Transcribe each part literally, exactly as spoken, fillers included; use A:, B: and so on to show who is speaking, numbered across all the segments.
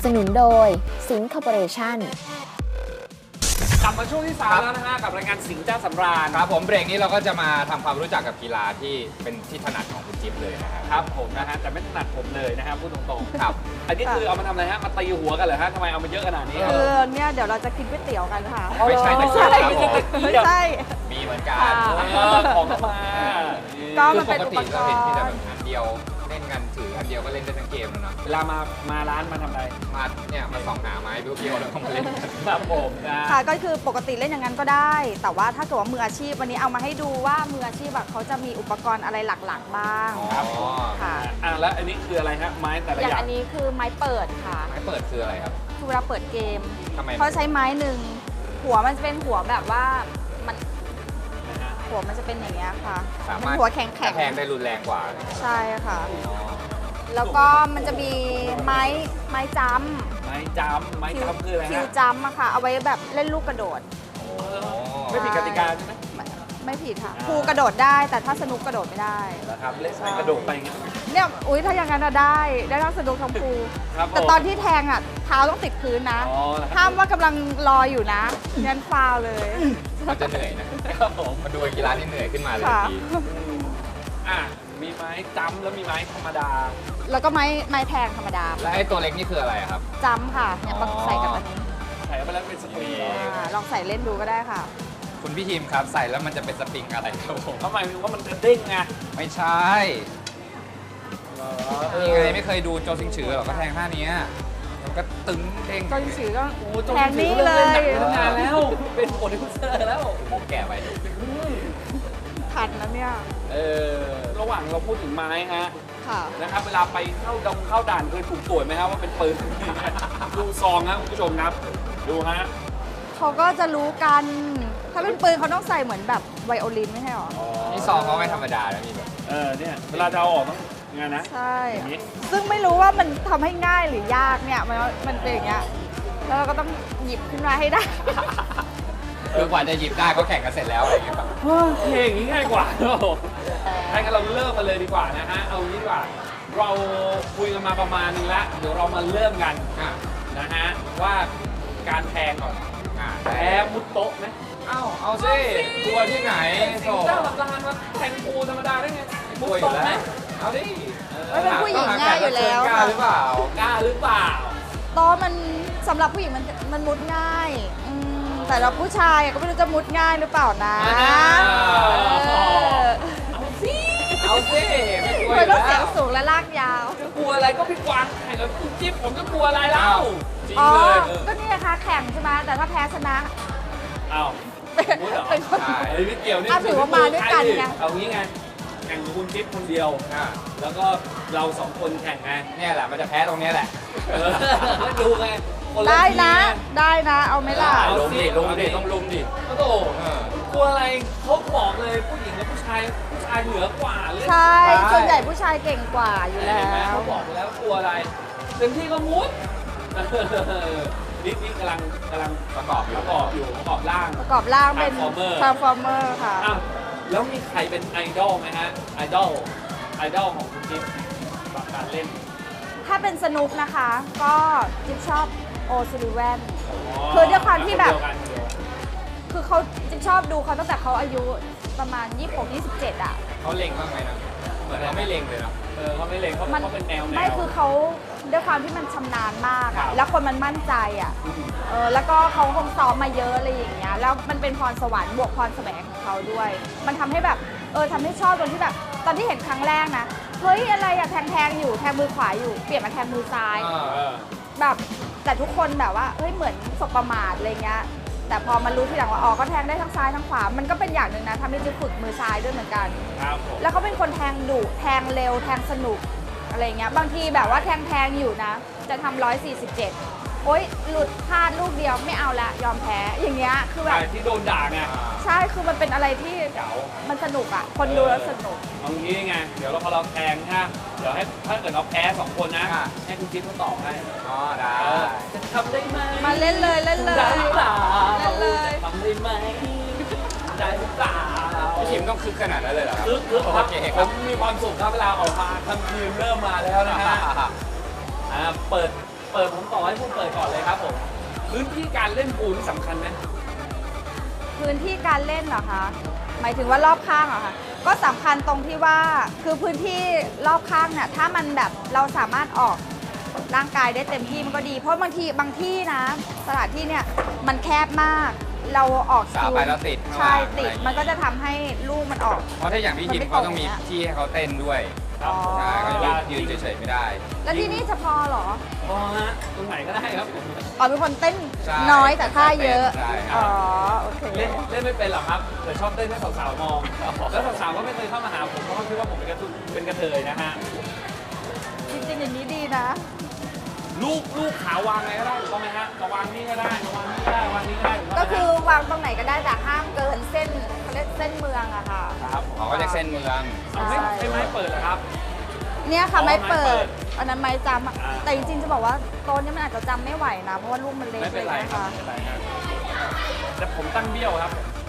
A: สนุนโดยสิงห์คอร์ปอเรชั่น
B: กลับมาช่วงที่สามแล้วนะฮะกับรายการสิงห์เจ้าสำราญ
C: ครับผมเบรกนี้เราก็จะมาทำความรู้จักกับกีฬาที่เป็นที่ถนัดของคุณจิ๊บเลยนะครับ
B: ครับผมนะฮะแต่ไม่ถนัดผมเลยนะฮะพูดตรงๆ
C: ครับ
B: อันนี้คือเอามาทำอะไรฮะมาตีหัวกันเหรอฮะทำไมเอามาเยอะขนาดนี้
D: เออเนี่ยเดี๋ยวเราจะกินก๋วยเตี๋ยวกันค่ะ
C: ไม่ใช่ตะเกียบครับผม
D: ไม่ใช่
C: มีเหมือนกัน
D: ค่ะ
B: เออของเข้ามา
D: ก็
C: คื
D: มั
C: อน ป
D: เป็น
C: ก
D: อุ
C: ติ
D: ปก
C: เรา
D: ร
C: เห็น
D: ณ์
C: ที่แต่แบบอันเดียวเล่นกันถืออันเดียวก็เล่นได้ทั้งเกมแล้วเนาะ
B: เวลามามาร้านมาทำอะไร
C: มาเนี่ยมาส่องหาไม้เบี้ยวๆแล้วก็มาเล่นกัน
B: ครับผมนะ
D: ค่ะก็คือปกติเล่นอย่างนั้นก็ได้ แต่ว่าถ้าเกิดว่ามืออาชีพวันนี้เอามาให้ดูว่ามืออาชีพแบบเขาจะมีอุปกรณ์อะไรหลักๆบ้าง
C: ครับ
D: ค่ะ
B: อ่ะแล้วอันนี้คืออะไรฮะไม้แต่ละ
D: อย่าง
B: อย่าง
D: อันนี้คือไม้เปิดค่ะ
C: ไม้เปิดคืออะไรครับ
D: คือเวลาเปิดเกม
C: ทำไม
D: เขาใช้ไม้หนึ่งหัวมันจะเป็นหัวแบบว่ามัน
B: นะฮะ
D: หัวมันจะเป็นอย่างเงี้ยค่ะ
C: สา
D: มั
C: มารถ
D: หัวแข็ง
C: ก
D: แข็
C: ระ
D: ง
C: แทกได้รุนแรงกว่า
D: ใช่ค่ะ
C: อ๋อ
D: แล้วก็มันจะมีไม้ไม้จ้ำ
B: ไม้จำไม้จำคืออะไร
D: คิว
B: ฮะ
D: จัมป์อะค่ะ เอาไว้แบบเล่นลูกกระโดด
B: ไม่ผิดกติกาใช่ไหม
D: ไม่ไม่ผิดค่ะ
B: อ่า
D: ครูกระโดดได้ แต่ถ้าสนุกกระโดดไม่ได้
B: นะครับเล่นไปกระโดดไปอย่างเงี้ย
D: เนี่ยอุ้ยถ้าอย่างนั้นอะได้ได้ทั้งสนุกทั้งครู
B: ครับผม
D: แต่ตอนที่แทงอะเท้าต้องติดพื้นนะ
B: อ๋อนะครับ
D: ห้ามว่ากำลังรออยู่นะงั้นฟาวเลย
C: มันจะเหนื่อยนะครับ
B: ผม
C: มาดูกีฬาที่เหนื่อยขึ้นมาเลย
D: ค่ะ
C: ที
B: อ่ะมีไม้จำแล้วมีไม้ธรรมดา
D: แล้วก็ไม้ไม้แทงธรรมดา
C: และไอ้ตัวเล็กนี่คืออะไรอะครับ
D: จัมป์ค่ะเนี่ยต้องใส่กับอันนี้
B: ใส่เข้าไปแล้วเป็นสปริง
C: นี่
D: อ่าลองใส่เล่นดูก็ได้ค่ะ
C: คุณพี่ทีมครับใส่แล้วมันจะเป็นสปริงอะไรครับผม
B: เขาหมายถึงว่ามันจะเด้งไง
C: ไม่ใช่นี่ไงไม่เคยดูโจซิงฉือหรอกก็แทงท่านี้มันก็ตึงเด้ง
D: ก็ถือก็
B: โอ้โห
D: แทงนี่เลย
B: หนังตั้งนานแล้ว เป็นโปรดิวเซอร์แล้ว
C: ผมแก่ไป
D: ทันนะเนี่ย
B: เออระหว่างเราพูดถึงไม้ฮะ
D: ค่ะ
B: นะครับเวลาไปเข้าดงเข้าด่านเคยถูกตรวจไหมครับว่าเป็นปืน ดูซองครับคุณผู้ชมครับ ดูฮะ
D: เขาก็จะรู้กัน ถ้าเป็นปืนเขาต้องใส่เหมือนแบบไวโอลินไม่ใช่หรอ
C: นี่ซองเขาไม่ธรรมดานะมีแบบ
B: เออเนี่ยเวลาจะเอาออกต้องงานนะ
D: ใช่
B: อย่างนี้
D: ซึ่งไม่รู้ว่ามันทำให้ง่ายหรือยากเนี่ย มันมันเป็นอย่างเงี้ย แล้วเราก็ต้องหยิบขึ้นมาให้ได้
C: คือกว่าจะหยิบได้ก็แข่งกันเสร็จแล้วอะไรอย่างเงี้ยครับ
B: เฮ้ยเพลงนี้ง่ายกว่าให้กันเราเริ่มมาเลยดีกว่านะฮะ เอางี้ดีกว่า เราคุยกันมาประมาณนึงแล้ว เดี๋ยวเรามาเริ่มกัน
C: อ่ะ
B: นะฮะว่าการแทงก่อน
C: อ่ะ
B: แพ้มุดโต๊ะไหม
C: เอ้าเอาสิกลัวที่ไหน
B: สิงเจ้าหลับลานมาแทงปูธรรมดาได้ไง
C: ก
B: มุ
C: ลั
B: ด
C: วอยู่
B: โต๊ะ
C: แล้
B: ไหม
C: วเอาดิ
D: ไม่เป็นผู้หญิงง่ายอยู่แล้ว
C: กล้าหรือเปล่า
B: กล้าหรือเปล่า
D: โต๊ะมันสำหรับผู้หญิงมันมันมุดง่ายอืมแต่เราผู้ชายก็ไม่รู้จะมุดง่ายหรือเปล่านะ
B: อ่า
D: เออ
B: เอาสิ
C: เอาสิไม่กลัวอ
D: มัน
C: ยู่
D: ต้อง
C: แล้
D: เสียว งสูงและลากยาว
B: จะกลัวอะไรก็พี่กวางแข่งกับคุณจิ๊บผมจะกลัวอะไรเล่า
C: จริง
D: อ๋อ
C: เลย
D: ก็นี่นะคะแข่งใช่ไหมแต่ถ้าแพ้ชนะ
B: อ้าว
D: เป็น
B: มุดเหรอ
D: เป็นคน
C: ใช่
B: ไอ้ไม่เกี่ยวนี่
D: อ่ะถือว่ามาด้วยกันไง
B: เอางี้ไงแข่งกับคุณจิ๊บคนเดียว
C: อ่ะ
B: แล้วก็เราสองคนแข่งไง
C: เนี่ยแหละมันจะแพ้ตรงเนี้ยแหละ
B: เออแล้วดูไงคนละ
D: ได้
B: ที
D: นะ
B: ง
D: ได้นะ เอาไหมล่ะ
B: ได้
C: ลุมดิลุมดิต้องลุมดิ
B: โอ้โห
C: เออ
B: กลัวอะไรเขาบอกเลยผู้หญิงกับผู้ชายผู้ชายเหนือกว่าเรื่อง
D: ใช่
C: ใช่
D: ส่วนใหญ่ผู้ชายเก่งกว่าอยู่แล้
B: เห็นไหม
D: ว
B: เขาบอกไปแล้วกลัวอะไรเต็มที่ก็มุดนี่นี่กำลังกำลัง
C: ประกอบอยู่
B: ประกอบอยู่ประกอบร่าง
D: ประกอบร่างเป็น
B: Transformer
D: Transformer ค่ะ
B: อ้าวแล้วมีใครเป็นไอดอลไหมฮะไอดอลไอดอลของคุณจิ๊บแบบการเล่น
D: ถ้าเป็นสนุกนะคะ ก็จิ๊บชอบโอซิลิแวน คือด้วยความที่แบบ
B: เดียกันเดียว
D: คือเขาจิ๊บชอบดูเขาตั้งแต่เขาอายุประมาณ ยี่สิบหก ยี่สิบเจ็ด อ่ะ
C: เขาเล็งบ้างไหมนะเหมือนเขาไม่เล็งเลยเนาะ
B: เออเขาไม่เล่นเขา
D: มัน
B: เขาเป็นแนวแนว
D: ไม่คือเขาด้วยความที่มันชำนาญมาก
B: ครั
D: อะ
B: บ
D: แล้วคนมันมั่นใจอ่ะเออแล้วก็เขาคงซ้อมมาเยอะอะไรอย่างเงี้ยแล้วมันเป็นพรสวรรค์บวกพรแสวงของเขาด้วย มันทำให้แบบเออทำให้ชอบตรงที่แบบตอนที่เห็นครั้งแรกนะเฮ้ยอะไรอะแทงแทงอยู่แทงมือขวาอยู่เปลี่ยนมาแทงมือซ้าย
C: เออ
B: เออ
D: แบบแต่ทุกคนแบบว่าเฮ้ยเหมือนสบประมาทอะไรเงี้ยแต่พอมารู้ทีหลังว่าอ๋อก็แทงได้ทั้งซ้ายทั้งขวามันก็เป็นอย่างหนึ่งนะทำให้จิ๊บฝึกมือซ้ายด้วยเหมือนกัน
B: ครับผม
D: แล้วเขาเป็นคนแทงดุแทงเร็วแทงสนุกอะไรเงี้ยบางทีแบบว่าแทงแทงอยู่นะ จะทำร้อยสี่สิบเจ็ดโอ๊ยหลุดพลาดลูกเดียวไม่เอาละยอมแพ้อย่างเงี้ยคือแบบ
B: แต่ที่โดนด่าไง
D: ใช่คือมันเป็นอะไรที่
B: เก๋า
D: มันสนุกอ่ะคนดูแล้วสนุก
B: เอางี้ไง เดี๋ยวเราพอเราแทงฮะเดี๋ยวให้ถ้าเกิดเราแพ้สองคนนะ
C: อ่ะ
B: ให้คุณจิ๊บเขาตอบให้
C: อ๋อได้
B: เออจะทำได้ไหม
D: มาเล่นเลยเล่นเลย
B: ได้หรือเปล่า
D: เล่นเลย
B: จะทำได้ไหมได้หรือเปล่า
C: พี่ทีมต้องคึกขนาดนั้นเลยเหรอครับ
B: คือคือครับ
C: โอเค
B: ผ
C: ครับ
B: มมีความสุขครับเวลาออกมาทำทีมเริ่มมาแล้วนะฮะอ่าเปิดเปิดผมต่อให้พูดเปิดก่อนเลยครับผมพื้นที่การเล่นปูนี่สำคัญไหม
D: พื้นที่การเล่นเหรอคะ หมายถึงว่ารอบข้างเหรอคะ ก็สำคัญตรงที่ว่าคือพื้นที่รอบข้างเนี่ยถ้ามันแบบเราสามารถออกร่างกายได้เต็มที่มันก็ดี เพราะบางทีบางที่นะสถานที่เนี่ยมันแคบมาก เราออก
C: สาวไปแล้วติด
D: ใช่
C: ข้างล่าง
D: ติด
C: อะไรอย่างงี้
D: มันก็จะทำให้ลูกมันออก
C: เพราะถ้าอย่างพี่ยิมเขาต้องมีที่ให้เขาเต้นด้วย
B: ครับ
C: ใช่เขายืนเฉยๆไม่ได้
D: แล้วที่นี่จะพอเหรอ
B: พอฮะตรงไหนก็ได้ครับผม
D: อ๋อเป็นคนเต้น
C: ใช่
D: น้อยแต่ท่าเยอะ
C: ใช่ครับ
D: อ๋อโอเค
B: เล่นเล่นไม่เป็นหรอกครับแต่ชอบเต้นให้สาวๆมองแล้วสาวๆก็ไม่เคยเข้ามาหาผมเพราะเขาคิดว่าผมเป็นกระตุเป็นกระเทยนะฮะ
D: จริงๆอย่างนี้ดีนะ
B: ลูกลูกขาวางไงก็ได้ถูกต้องไหมฮะจะวางนี่ก็ได้จะวางนี่ก็ได้วางนี่ก็ได้ถูต้งไหมฮะ
D: ก็คือวางตรงไหนก็ได้แต่ห้ามเกินเส้นเขาเรียกเส้นเมืองอะค่ะ
B: ครับ
C: เขาก็จะเส้นเมือง
B: เอาไม่ใช่ไม้เปิดเหรอครับ
D: เนี่ยค่ะ
B: อ๋อ
D: ไม้เปิ
B: ไม้เปิ
D: ด
B: ด
D: อันนั้นไม้จำอะ
B: อ่า
D: แต่จริงๆจะบอกว่าโต๊ะเนี้มันอาจจะจำไม่ไหวนะ เพราะว่าลูกมันเล็ก
B: ไม่
D: เล
B: เป็น
D: ย
B: ไร
D: นะครับ
B: ไม่เป็นไรครับแต่ผมตั้งเบี้ยวครับ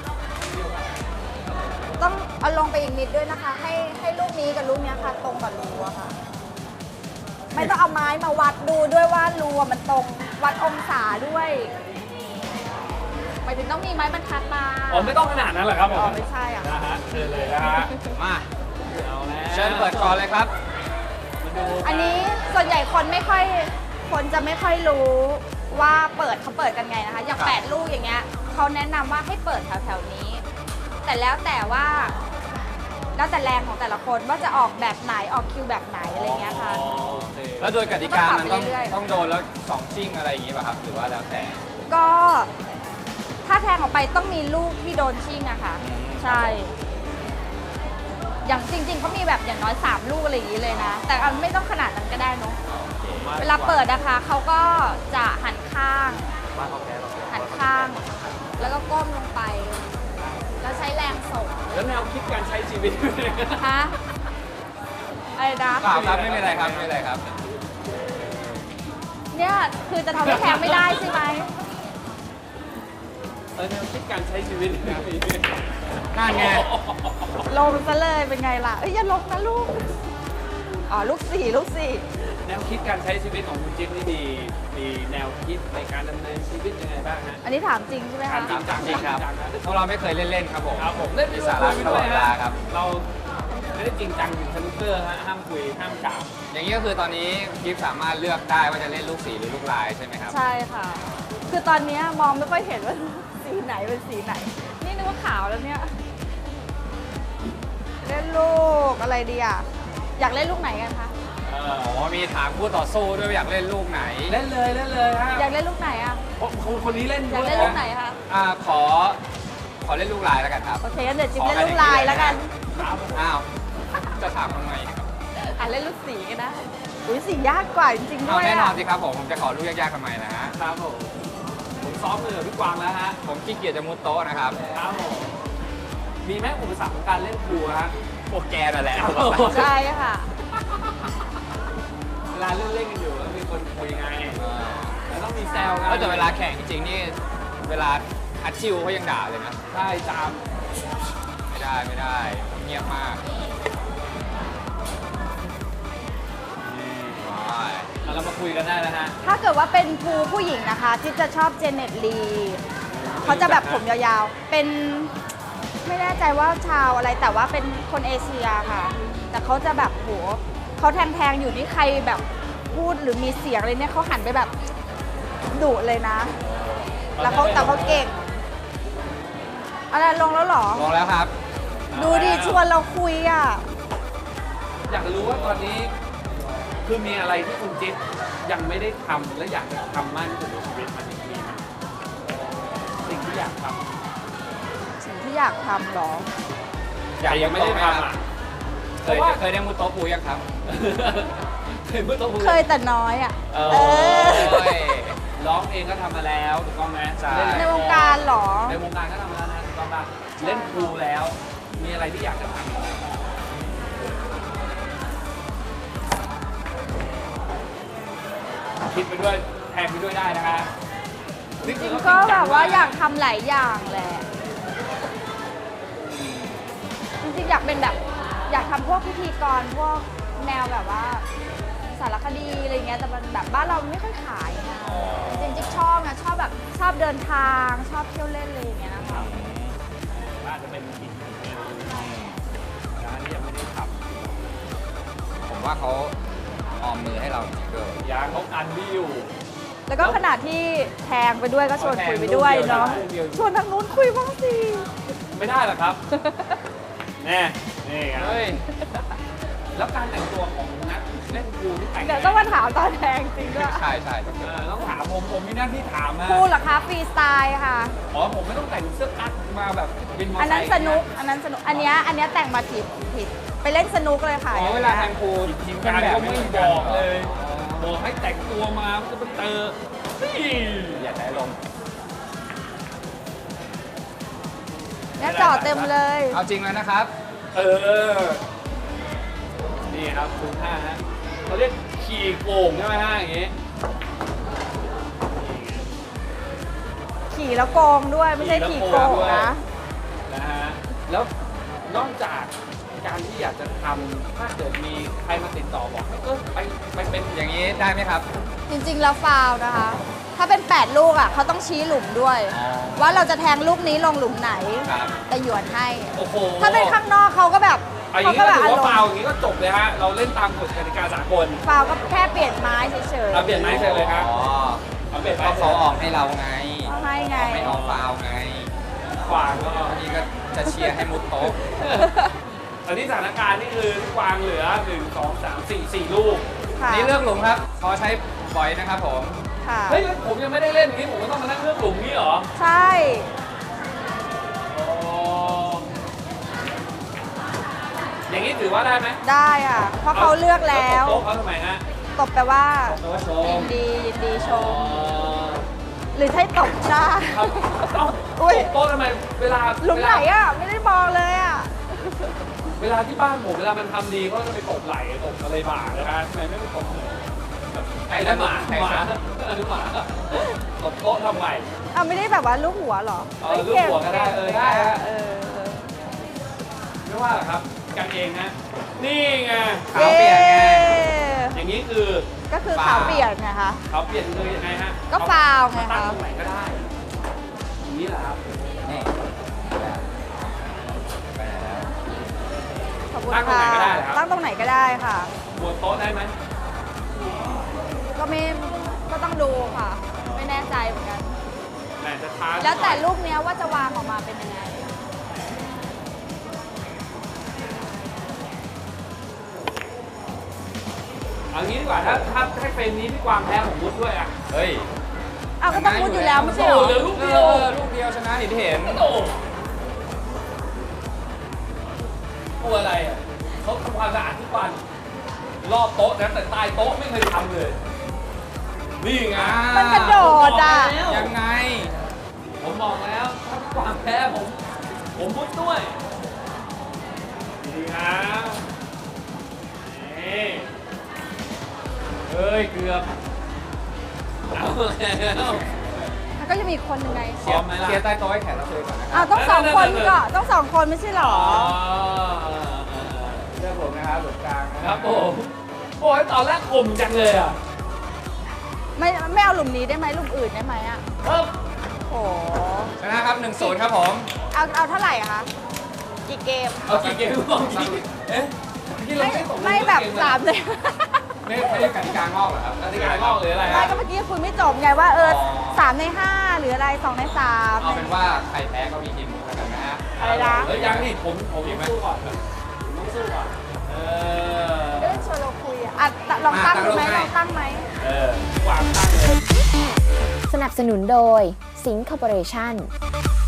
D: ต้องเอาลงไปอีกนิดด้วยนะคะ ให้ให้ลูกนี้กับลูกเนี้ยค่ะตรงกับรูอะค่ะ ไม่ต้องเอาไม้มาวัดดูด้วยว่ารูอะมันตรงวัดองศาด้วยหมายถึงต้องมีไม้บรรทัดมา
B: อ๋อไม่ต้องขนาดนั้นหรอกครับผม
D: อ๋อไม่ใช่อะ
B: นะฮะเชิญเลยนะฮะ
C: มา
B: เอาแล้ว
C: เชิญเปิดก่อนเลยครับ
B: มาดู
D: อันนี้ส่วนใหญ่คนไม่ค่อยคนจะไม่ค่อยรู้ว่าเปิดเขาเปิดกันไงนะคะ อย่าง
C: ครับ
D: แปดลูกอย่างเงี้ยเขาแนะนำว่าให้เปิดแถวๆนี้ แต่แล้วแต่ว่าแล้วแต่แรงของแต่ละคนว่าจะออกแบบไหนออกคิวแบบไหนอะไรเงี้ยค่ะ
B: อ๋อโอเค
C: แล้วโดยกติกามันต้อง
D: ก็ปรับไปเรื่อยๆ
C: ต้องโดนแล้วสองชิ่งอะไรอย่างงี้ป่ะครับ หรือว่าแล้วแต่
D: ก็ถ้าแทงออกไปต้องมีลูกที่โดนชิ่งอะค่ะ
C: อืม
D: ใช่ อย่างจริงๆเขามีแบบอย่างน้อยสามลูกอะไรอย่างนี้เลยนะ แต่เอาไม่ต้องขนาดนั้นก็ได้เนอะเวลาเปิดนะคะเขาก็จะหันข้าง หันข้าง แล้วก็ก้มลงไป แล้วใช้แรงส่ง
B: แล้วแนวคิดการใช้ชีวิต
D: ฮะอะไรนะ
C: เปล่าครับไม่เป็นไรครับไม่เป็นไรครับ
D: เนี่ยคือจะทำให้แทงไม่ได้ใช่ไหม
B: เออแนวคิดการใช้ชีวิต
C: นั่นไง
D: ลงซะเลยเป็นไงล่ะ เอ้ยอย่าลงนะลูก อ๋อลูกสี่ลูกสี่
B: แนวคิดการใช้ชีวิตของคุณจิ๊บนี่มีมีแนวคิดในการดำเนินชีวิตยังไงบ้างฮะ
D: อันนี้ถามจริงใช่ไหมคะ
B: จริงจัง
C: จริงครับ พวกเราไม่เคยเล่นๆครับผม
B: ครับผมเล่น
C: มี
B: มี
C: สา
B: สา
C: ระ
B: ระ
C: ตลอดเวลาครับ
B: เราไม่ได้จริงจังถึงสนุกเกอร์ฮะห้ามคุยห้ามกล่าว
C: อย่างนี้ก็คือตอนนี้กิฟสามารถเลือกได้ว่าจะเล่นลูกสีหรือลูกลายใช่ไหมครับ
D: ใช่ค่ะ คือตอนเนี้ยมองไม่ค่อยเห็นว่า สีไหนเป็นสีไหน นี่นึกว่าขาวแล้วเนี่ย เล่นลูกอะไรดีอ่ะ อยากเล่นลูกไหนกันคะ
B: เออ
C: อ๋อมีถามคู่ต่อสู้ด้วยว่าอยากเล่นลูกไหน
B: เล่นเลยเล่นเลยฮะ
D: อยากเล่นลูกไหนอ่ะ
B: คนคนนี้เล่น
D: อยากเล่นลูกไหนคะ
C: อ่าขอ ขอเล่นลูกลายแล้วกันครับ
D: โอเคงั้นเดี๋ยวจิ๊บเล่นลูกลายแล้วกัน
B: ครับ
C: อ้าว จะถามทำไมครับ
D: อ่ะเล่นลูกสีกันนะอุ้ยสียากกว่าจริงๆ
C: เอา
D: ด้วย
C: แน่นอ
D: อ่ะ
C: นสิครับผม ผมจะขอลูกยากๆทำไมนะฮะ
B: ครับผมผมซ้อมมือกับพี่กวางแล้วฮะ
C: ผมขี้เกียจจะมุดโต๊ะนะครับ
B: ครับผมมีไหมอุปสรรคของการเล่นครูฮะ
C: พวกแกนั่นแหละ
D: ใช่ค่ะ
B: เวลาเล่นเล่นๆกันอยู่แล้วมีคนคุยไงแล้วต้องมีแซวกัน
C: ก็แต่เวลาแข่งจริงๆนี่ เวลาอัดชิวเขายังด่าเลยนะ
B: ใช่จาม
C: ไม่ได้ไม่ได้ เงียบมากว้าย
B: แล้วเรามาคุยกันได้แล้วฮะ
D: ถ้าเกิดว่าเป็นภูผู้หญิงนะคะที่จะชอบเจเน็ตลีเขาจะแบบผมยาวๆ เป็นไม่แน่ใจว่าชาวอะไรแต่ว่าเป็นคนเอเชียค่ะ แต่เขาจะแบบโหเขาแทงๆอยู่ที่ใครแบบพูดหรือมีเสียงอะไรเนี่ยเขาหันไปแบบดุเลยนะ แล้วเขาแต่เขาเก่งอะไรลงแล้วเหรอ
C: ลงแล้วครับ
D: ดูดิชวนเราคุยอ่ะ
B: อยากรู้ว่าตอนนี้คือมีอะไรที่คุณจิ๊บยังไม่ได้ทำและอยากจะทำมากที่สุดในชีวิตมันมีไหมสิ่งที่อยากทำ
D: สิ่งที่อยากทำเหรอ
C: อยาก
B: แต่ยังไม่ได้ทำอ่ะ
C: เคยเคยได้มุดโต๊ะปูยังครับ
B: เคยเมื่อตัว
D: เคยแต่น้อยอ่ะ
B: เอ
D: เออ
C: โอ้ย
B: ร้องเองก็ทำมาแล้วถูกต้องไหม
C: ใช่
B: เล่
D: ใน
B: ละคว
D: งการเหรอ
B: ในวงการก็ทำมาแล้วนะถูกต้องป่ะเล่นครูแล้ว มีอะไรที่อยากจะทำคิดไปด้วยแทนไปด้วยได้นะคะนี่
D: จ
B: คื
D: ริ
B: อง เขา
D: ก็
B: จริง
D: แบ
B: จัง
D: บว่าอยากทำหลายอย่างแหละ จริงๆอยากเป็นแบบอยากทำพวกพิธีกรพวกแนวแบบว่าสารคดีอะไรเงี้ยแต่มันแบบบ้านเราไม่ค่อยขายนะ
C: อ๋อ
D: จริงๆชอบนะชอบแบบชอบเดินทางชอบเที่ยวเล่นอะไรอย่างเงี้ยนะคะ
B: ว่าจะเป็นอีกหนึ่งเมนูนะที่ยังไม่ได้ท
C: ผมว่าเขาออมมือให้เราจริงๆด้วย
B: ำยางเขากันที่อยู่
D: แล้วก็ขณะที่แทงไปด้วยก็ชวนคุยไปด้วยเนาะ
B: แทงรูปเดียว
D: ชวนทางนู้นคุยบ้างสิ
B: ไม่ได้หรอครับ แน่นี่ไง
C: เฮ้ย
B: แล้วการแต่งตัวของนักเล่นพูลที่แต่ง
D: เดี๋ยวต้องมาถามตอนแทงจริงด้วย
C: ใช่ใช่
B: เออต้องถามผมผมมีหน้าที่ถามนะ
D: พูดเหรอคะฟรีสไตล์ค่ะ
B: อ๋อผมไม่ต้องแต่งเสื้อกั๊กมาแบบบินมอเตอ
D: อัน
B: ร์ไซ
D: นั้น
B: ค์
D: สนุก อันนั้นสนุก อันเนี้ยอันเนี้ยแต่งมาผิดผิด ไปเล่นสนุกเลยค่ะ
C: อ๋อเวลาแทงพูล
B: ทีมงานก็ไม่บอกเลย บอกให้แต่งตัวมามันจะเป็นเตอร์นี่
C: อย่าใช้ลมณ์
D: เนี่ยจอดเต็มเลย
C: เอาจริงแล้วนะครับ
B: เออ นี่ครับคุณห้าฮะเขาเรียกขี่โก่งใช่ไหมฮะอย่างงี้
D: ขี่แล้วโกงด้วยไม่ใช่ขี่โกงนะ
B: นะฮะ แล้วนอกจากการที่อยากจะทำถ้าเกิดมีใครมาติดต่อบอกให้เออไปไปเป็น
C: อย่างนี้ได้ไหมครับ
D: จริงๆแล้วฟาวล์นะคะ ถ้าเป็น แปด ลูกอ่ะเขาต้องชี้หลุมด้วย
C: อ๋อ
D: ว่าเราจะแทงลูกนี้ลงหลุมไหน
C: ครับ
D: แต่หยวนให้
B: โอ้โห
D: ถ้าเป็นข้างนอกเขาก็แบบ
B: เอาอย่า
D: เขา
B: ง
D: ก็
B: นี้
D: แบ
B: ก็
D: บ
B: ถือ
D: อา
B: ว่าร
D: ม
B: ฟาว
D: ณ์
B: อย่างนี้ก็จบเลยฮะ เราเล่นตามกฎกติกาสากล
D: ฟาวล์ก็แค่เปลี่ยนไม้เฉย
B: เอาเปลี่ยนไม้เฉยเลยครับ
C: อ๋อ
B: เอาเปลี่ยน
C: เพ
B: ไม้
C: ราะเขาออกให้เราไง
D: ๆเขาให้ไง
C: ไม่ออกฟาวล์ไง
B: กวางก็
C: บางทีก็จะเชียร์ให้มุดโต๊ะ
B: ตอนนี้สถานการณ์นี่คือกวางเหลือหนึ่ง สอง สาม สี่ สี่ลูก
D: ค่ะ
C: นี่เลือกหลุมครับขอใช้บ่อยนะครับผม
D: ค่ะ
B: เฮ้ยแล้วผมยังไม่ได้เล่นอย่างนี้ผมก็ต้องมานั่งเลือกหลุมนี้เหรอ
D: ใช่
B: อ๋ออย่างนี้ถือว่าได้ไหม
D: ได้อ่ะ เพราะเขาเลือกแล้ว
B: โต๊ะเขาทำไมฮะ
D: ตบแปลว่า
B: โต๊ะโช
D: ยิ
B: ม
D: นดียินดีช
B: อ๋อ
D: ม หรือใช้ตบหน้า
B: ครับเอ้า
D: อุ๊ย
B: โต๊ะทำไมเวลา
D: หลุมไหนอ่ะ ไม่ได้มองเลยอ่ะ
B: เวลาที่บ้านผมเวลามันทำดีก็จะไปตบไหล่ตบอะไรบ่านะฮะทำไมไม่ไปตบเลยไอ้นั่นหมาหมาหมาตบโต๊ะทำไม
D: อ่ะไม่ได้แบบว่าลูกหัวเหรอ
B: เออลูกหัวก็ได้เออได้ฮะ
D: เออ
B: ไม่ว่าหรอกครับกันเองนะนี่ไง
C: ขาวเปียกไง
B: อย่างนี้คือ
D: ก็คือ
C: ฟาว
D: ขาวเปียกไงคะ
B: เขาเปลี่ยนคือยังไงฮะ
D: ก็ฟาวไง
B: มาตั้ง
D: คะ
B: ตรงไหนก็ได้อย่างนี้แหละครับ
C: นี่ไปไหนแล้ว
D: ขอบคุณ
B: ตั้งตรง
D: ค่ะ
B: ไหนก็ได้เหรอครับ
D: ตั้งตรงไหนก็ได้ค่ะ
B: บนโต๊ะได้ไหม
D: ก็ไม่ก็ต้องดูค่ะ ไม่แน่ใจเหมือนกัน
B: แหมจะท้า
D: แล้วแต่ลูกเนี้ยว่าจะวางออกมาเป็นยังไง
B: เอางี้ดีกว่าถ้าถ้าให้เฟรมนี้พี่กวางแพ้ผมมุดด้วยอ่ะ
C: เฮ้ย
D: อ้าวก็ต้องมุดอยู่แล้วไม่ใช่เหร
B: โอ้
D: อ
B: เหลือลูกเดียว
C: ออลูกเดียวชนะเห็นเห็น
B: โอ้ตัวอะไรอ่ะเขาทำความสะอาดทุกวันรอบโต๊ะนะแต่ใต้โต๊ะไม่เคยทำเลย นี่ไง
D: มันกระโดดอ่ะ
C: ยังไง
B: ผมบอกแล้วถ้าพี่กวางแพ้ผม ผมมุดด้วยดีนะนี่เฮ้ยเกือบเอาแล้ว
D: มันก็จะมีอีกคนหนึ่งไง
B: พร้อมไหมล่ะ
C: เชียร์ใต้โต๊ะให้แขกรับเชิญก่อนนะค
D: อ้า
C: รั
D: วต้องสองคนก็ต้องสองคนไม่ใช่เหรอ
B: อ๋อ
C: เลือกผมนะครับหลุมกลางนะ
B: ครับผมโอ้ยตอนแรกข่มจังเลยอ่ะ
D: ไม่ไม่เอาหลุมนี้ได้ไหมหลุมอื่นได้ไหมอ่ะ
B: ครับ
D: โอ้
C: ชนะครับหนึ่งศูนย์ครับผม
D: เอาเอาเท่าไหร่อะคะ กี่เกม
B: เอากี่เกมลองคิดเอ๊ะที่เรา
D: ไม่
B: ไม่ตกลง
D: ไม่แบบ
B: เก
D: สามเลย
C: ไม่ไม่ได้กติกางอกเหรอครับ
B: กติกางอกหรืออะไร
D: ไม่
B: ฮะ
D: ก็เมื่อกี้คุณไม่จบไงว่าเออ
C: อ๋อ
D: สามในห้าหรืออะไรสองในสาม
C: เอาเป็นว่าใครแพ้ก็มีทีมแล้วกันนะฮะ
D: อะไรนะ
B: เฮ้ยยังนี่ผมผมยังสู้ก่อนผมต้องสู้ก่อนเออ
D: เรื่องชวนเราคุยอะอ่ะลองตั้งดูไหมลองตั้งไหม
B: เออวางตั้งเลย
A: สนับสนุนโดยสิงค Corporation